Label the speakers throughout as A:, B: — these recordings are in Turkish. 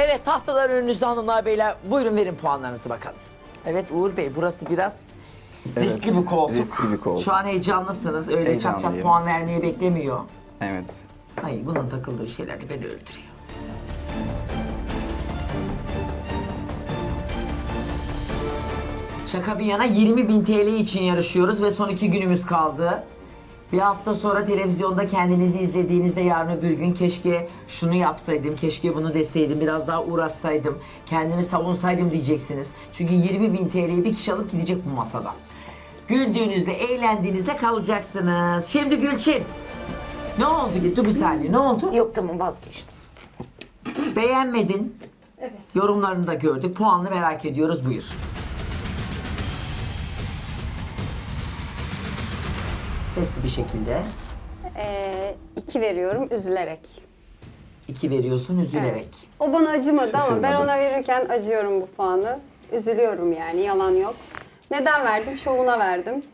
A: Evet, tahtalar önünüzde hanımlar beyler. Buyurun verin puanlarınızı bakalım. Evet Uğur Bey, burası biraz riskli bir koltuk.
B: riskli bir koltuk.
A: Şu an heyecanlısınız. Öyle çat çat
B: Heyecanlıyım.
A: puan vermeye beklemiyor.
B: Evet.
A: Ay bunun takıldığı şeyler de beni öldürüyor. Şaka bir yana 20.000 TL için yarışıyoruz ve son 2 günümüz kaldı. Bir hafta sonra televizyonda kendinizi izlediğinizde yarın öbür gün keşke şunu yapsaydım, keşke bunu deseydim, biraz daha uğraşsaydım, kendimi savunsaydım diyeceksiniz. Çünkü 20.000 TL'yi bir kişi alıp gidecek bu masada. Güldüğünüzde, eğlendiğinizde kalacaksınız. Şimdi Gülçin. Ne oldu? Dur bir saniye, ne oldu?
C: Yok tamam vazgeçtim.
A: Beğenmedin.
D: Evet.
A: Yorumlarını da gördük. Puanını merak ediyoruz. Buyur. Sesli bir şekilde.
D: 2 veriyorum üzülerek.
A: 2 veriyorsun üzülerek.
D: O bana acımadı ama ben
B: Şaşırmadım.
D: ona verirken acıyorum bu puanı. Üzülüyorum yani yalan yok. Neden verdim? Şovuna verdim.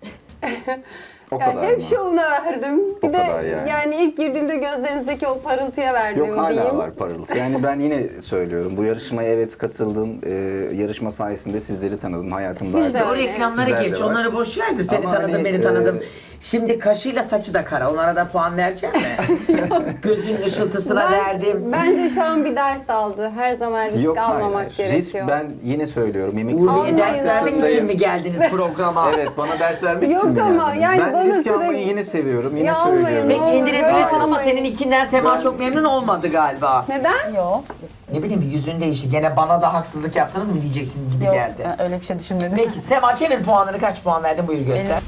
B: O
D: Yani
B: kadar
D: hep
B: mı?
D: şovuna verdim. Bir
B: O
D: de
B: kadar yani.
D: ilk girdiğimde gözlerinizdeki o parıltıya verdim
B: Yok hala
D: diyeyim.
B: var parıltı. Yani ben yine söylüyorum. Bu yarışmaya evet katıldım. Yarışma sayesinde sizleri tanıdım. Hayatımda
D: Biz de
B: artık
A: O
D: öyle.
A: reklamları
B: Sizler de
A: geç,
B: var.
A: onları boş ver de seni
B: Ama
A: tanıdım,
B: hani,
A: beni tanıdım. Şimdi kaşıyla saçı da kara, onlara da puan verecek mi? Gözün ışıltısına verdim.
D: Bence şu an bir ders aldı. Her zaman risk
B: Yok
D: almamak
B: hayır.
D: gerekiyor.
B: Risk ben yine söylüyorum. Yemek
A: Uğur Bey'e
D: Almayın
A: ders vermek
D: abi.
A: için mi geldiniz programa?
B: Evet bana ders vermek
D: Yok
B: için mi
D: ama
B: geldiniz?
D: yani
B: ben
D: bana
B: risk
D: sürekli-
B: almayı yine seviyorum. Yine
D: Ya almayın,
B: söylüyorum.
D: ne
A: Peki
D: olur,
A: indirebilirsin
D: böyle
A: ama
D: yapmayın.
A: senin ikinden Sema
B: Ben-
A: çok memnun olmadı galiba.
D: Neden?
C: Yok.
A: Ne bileyim yüzün değişti. Gene bana da haksızlık yaptınız mı diyeceksin gibi
C: Yok.
A: geldi.
C: Ben öyle bir şey düşünmedim.
A: Peki Sema çevir puanını, kaç puan verdin buyur göster.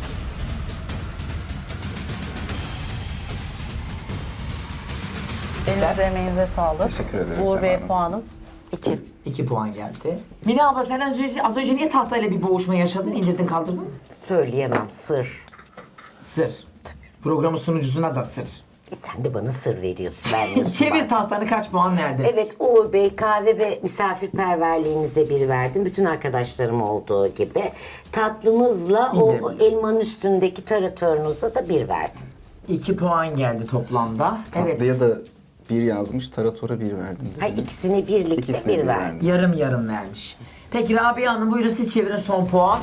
C: Elinize emeğinize sağlık.
B: Teşekkür ederim
C: Uğur
B: Sema
C: Bey
B: Hanım.
C: puanım 2.
A: 2 puan geldi. Mine abla sen az önce niye tahtayla bir boğuşma yaşadın? İndirdin kaldırdın mı?
E: Söyleyemem sır.
A: Sır. Programın sunucusuna da sır.
E: Sen de bana sır veriyorsun, vermiyorsun.
A: Çevir
E: bazen.
A: tahtanı, kaç puan verdin?
E: Evet Uğur Bey, kahve ve misafirperverliğinize 1 verdim. Bütün arkadaşlarım olduğu gibi. Tatlınızla o
A: İndirebiliriz.
E: elmanın üstündeki taratorunuzla da 1 verdim.
A: 2 puan geldi toplamda.
B: Tatlıya da bir yazmış, taratora bir verdim. dedi.
E: Hayır ikisini birlikte
B: İkisine
E: 1
B: bir
E: verdim.
B: verdim.
A: Yarım yarım vermiş. Peki Rabia Hanım buyurun siz çevirin son puan.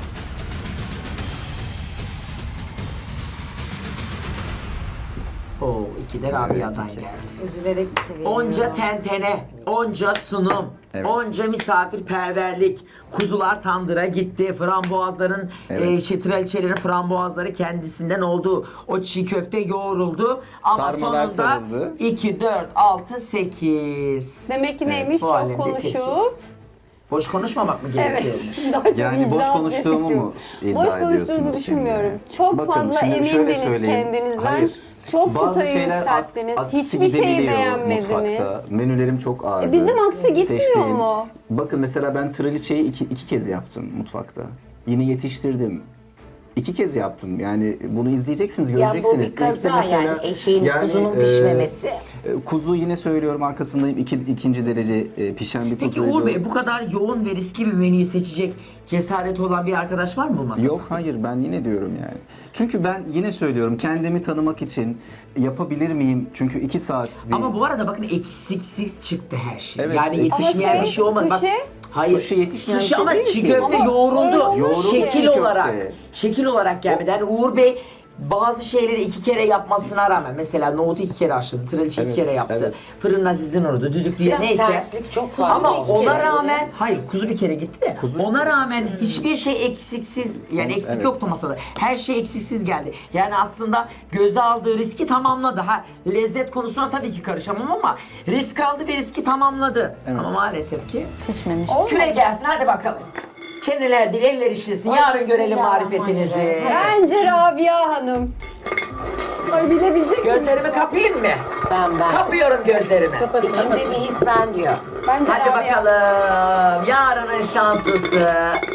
A: Oo, 2 de Rabia'dan
B: iki.
A: geldi.
D: Üzülerek 2 veriyorum.
A: Onca tentene, onca sunum,
B: Evet.
A: onca misafirperverlik, kuzular tandıra gitti, frambuazların,
B: Evet.
A: traliçelerin frambuazları kendisinden oldu. O çiğ köfte yoğruldu ama
B: Sarmalar
A: sonunda
B: sarıldı.
A: 2, 4, 6, 8.
D: Demek ki neymiş?
A: bu
D: Çok
A: alemde
D: konuşup.
A: tekiz. Boş konuşmamak mı
D: Evet.
A: gerekiyormuş?
B: Yani
D: Daha çok
B: boş
D: icraat
B: konuştuğumu
D: gerekiyor.
B: mu iddia
D: Boş
B: ediyorsunuz
D: konuştuğunuzu
B: şimdi?
D: düşünmüyorum. Çok
B: Bakın,
D: fazla
B: şimdi şöyle
D: emindiniz
B: söyleyeyim.
D: kendinizden.
B: Hayır.
D: Çok
B: Bazı
D: çıtayı
B: şeyler
D: yükselttiniz.
B: aksi
D: Hiçbir şeyi
B: gidebiliyor
D: beğenmediniz.
B: mutfakta. Menülerim çok ağırdı.
D: Bizim aksi gitmiyor mu?
B: Bakın mesela ben traliçeyi iki kez yaptım mutfakta. Yine yetiştirdim. 2 kez yaptım. Yani bunu izleyeceksiniz,
E: Ya
B: göreceksiniz.
E: bu bir
B: İlk de
E: kaza
B: mesela-
E: yani eşeğin
B: yani,
E: kuzunun
B: e,
E: pişmemesi.
B: Kuzu yine söylüyorum arkasındayım. İkinci derece pişen bir
A: Peki
B: kuzuydu.
A: Uğur Bey bu kadar yoğun ve riskli bir menüyü seçecek cesareti olan bir arkadaş var mı bu masada?
B: Yok hayır ben yine diyorum yani. Çünkü ben yine söylüyorum kendimi tanımak için yapabilir miyim? Çünkü 2 saat bir...
A: Ama bu arada bakın eksiksiz çıktı her şey.
B: Evet,
A: yani
B: eksik.
A: yetişmeyen
D: Ama
A: bir şey olmadı. Bak,
D: sushi?
A: hayır.
B: Sushi yetişmeyen
A: Sushi
B: bir şey
A: ama
B: değil
A: çiğ
B: ki.
A: köfte
D: Ama
A: yoğruldu.
D: öyle olmuş ki.
A: Şekil
B: Çiğ
A: olarak.
B: köfte.
A: Şekil olarak gelmedi. Yani Uğur Bey bazı şeyleri 2 kere yapmasına rağmen mesela nohutu 2 kere haşladı, traliçe 2
B: Evet,
A: kere yaptı.
B: evet.
A: Fırın azizin orada, düdüklüye
E: Biraz
A: neyse.
E: terslik çok fazla
A: Ama
E: olmuş.
A: ona rağmen, hayır kuzu bir kere gitti de
B: Kuzu-
A: ona rağmen hiçbir şey eksiksiz yani eksik
B: Evet.
A: yoktu masada. Her şey eksiksiz geldi. Yani aslında göze aldığı riski tamamladı. Ha lezzet konusuna tabii ki karışamam ama risk aldı ve riski tamamladı.
B: Evet.
A: Ama maalesef ki
C: Pişmemiş.
A: küre gelsin hadi bakalım. Çeneler değil eller işlesin. Yarın görelim marifetinizi.
D: Bence Rabia Hanım. Ay bilebilecek miyim?
A: Gözlerimi kapayım mı?
E: Ben.
A: Kapıyorum gözlerimi.
E: İçimde bir his ben diyor.
D: Bence
A: Hadi
D: Rabia.
A: bakalım. Yarının şanslısı.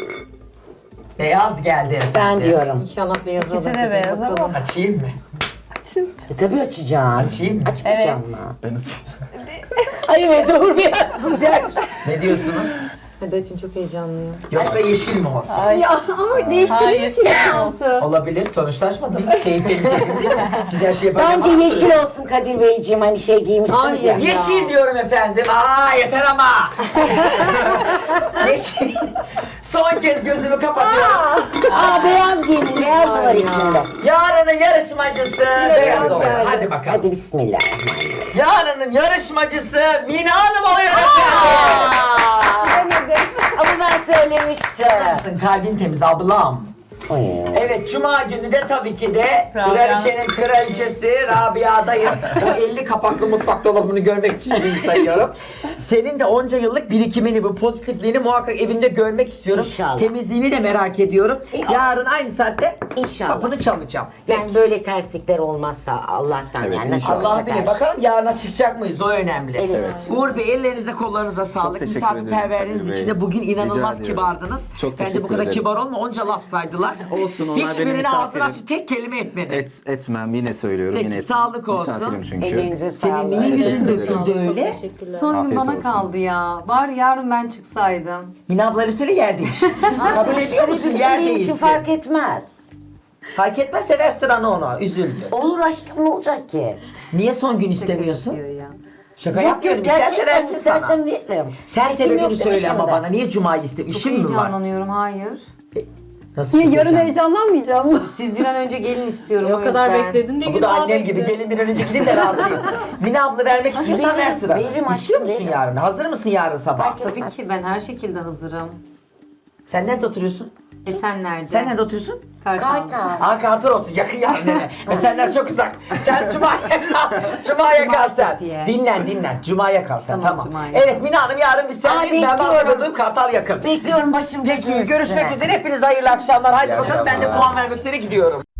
A: Beyaz geldi efendim.
E: Ben diyorum.
F: İnşallah beyaz olur.
C: İkisi de beyaz ama.
A: Açayım mı?
E: Tabii açacaksın.
A: Açayım mı?
E: Açmayacağım
C: Evet.
E: mı?
B: Ben açayım.
E: Ay evet Uğur Bey açsın der.
A: Ne diyorsunuz?
C: Hadi açın, çok heyecanlıyım.
A: Yoksa yeşil mi olsa?
D: Ya ama değiştirin şimdi şansı.
A: Olabilir. Sonuçlaşmadım. Keyif benim keyfim değil mi? Siz her şeyi yaparken
E: Bence
A: bana
E: yeşil
A: söyleyin.
E: olsun Kadir Beyciğim, hani şey giymişsiniz
C: Hayır.
E: ya.
A: Yeşil diyorum efendim. Aa yeter ama. Yeşil. Son kez gözümü kapatıyorum.
E: Aa, beyaz giyinin, beyaz da var içinde.
A: Yarının yarışmacısı beyaz
D: beyaz
A: oluyor.
D: geldi.
A: Hadi bakalım.
E: Hadi bismillah.
A: Yarının yarışmacısı Mina Hanım oluyor efendim.
D: Bilemedim.
E: Ama ben söylemiştim.
A: Nasılsın? Kalbin temiz ablam.
E: Oy.
A: Evet, Cuma günü de tabii ki de
C: Rabia.
A: kraliçenin kraliçesi Rabia'dayız. O 50 kapaklı mutfak dolabını görmek için gün sayıyorum. Senin de onca yıllık birikimini, bu pozitifliğini muhakkak evinde görmek istiyorum.
E: İnşallah.
A: Temizliğini de merak ediyorum. Yarın aynı saatte
E: İnşallah.
A: kapını çalacağım.
E: Yani böyle terslikler olmazsa Allah'tan,
B: Evet,
E: yani nasıl
B: inşallah.
A: Allah
E: olsa
A: bilir.
E: karşı.
A: Bakalım yarına çıkacak mıyız? O önemli.
E: Evet.
A: Uğur Bey, ellerinize kollarınıza sağlık.
B: teşekkür
A: Misafirperverliğiniz
B: ederim Kadir
A: için de
B: Bey.
A: bugün inanılmaz
B: Rica ediyorum.
A: kibardınız.
B: Çok
A: Bence bu
B: teşekkür
A: kadar
B: ederim.
A: kibar olma. Onca laf saydılar.
B: Olsun, onlar benim
A: Hiçbirine ağzını
B: misafirim.
A: açıp tek kelime etmedi.
B: Etmem, yine söylüyorum.
A: Peki,
B: yine
A: sağlık olsun.
B: Misafirim çünkü.
E: Ellerinize
A: Senin
E: sağlık.
A: niye yüzün
B: Teşekkür ederim.
A: döküldü öyle?
C: Teşekkürler.
F: Son gün
B: Afiyet
F: bana
B: olsun.
F: kaldı ya. Bari yarın ben çıksaydım.
A: Mine ablayla söyle yer değiş. Kabul ediyor musun yer
E: Benim için
A: değilsin?
E: fark etmez.
A: Fark etmez, sever sıranı onu. Üzüldü.
E: Olur aşkım, ne olacak ki?
A: Niye son gün istemiyorsun?
F: Diyor ya.
A: Şaka
E: Yok
A: yapmıyorum.
E: yok,
A: İsterse
E: gerçekten
A: versin sana.
E: istersen veririm.
A: Sen
E: Çekim
A: sebebini
E: yok değil mi
A: söyle ama
E: şimdi?
A: bana. Niye Cuma'yı istemiyorsun?
F: Çok
A: İşin mi var?
F: heyecanlanıyorum. Hayır.
A: Nasıl
D: Niye
A: çok
D: yarın
A: heyecanlı?
D: heyecanlanmayacağım mı?
F: Siz bir an önce gelin istiyorum
C: O
F: o
C: kadar
F: yüzden.
C: bekledin diye
A: Bu da annem gibi. Gelin bir an önce gidin de rahatlayın. Mine abla vermek istiyorsan ver
E: veririm,
A: sıra.
E: veririm
A: İstiyor
E: aşkım,
A: musun
E: veririm.
A: yarın? Hazır mısın yarın sabah?
E: Fark
F: Tabii
E: etmez.
F: ki ben her şekilde hazırım.
A: Sen nerede oturuyorsun?
F: Sen nerede?
A: Sen nerede oturuyorsun?
F: Kartal.
E: Kartal.
A: Aa, Kartal olsun, yakın yarın eve. Senden çok uzak. Sen Cuma'ya kal. Cuma'ya kal sen.
F: Cumartesiye.
A: Dinlen. Cuma'ya kal sen,
F: Tamam,
A: tamam.
F: Cuma'ya.
A: Evet Mine Hanım, yarın biz sendeyiz. Ben
E: bekliyorum.
A: bakıyordum, Kartal yakın.
E: Bekliyorum başım
A: Peki,
E: gözüm
A: görüşmek
E: üstüne.
A: üzere. Hepinize hayırlı akşamlar. Haydi
B: İyi
A: bakalım, ben de
B: akşamlar.
A: puan vermek üzere gidiyorum.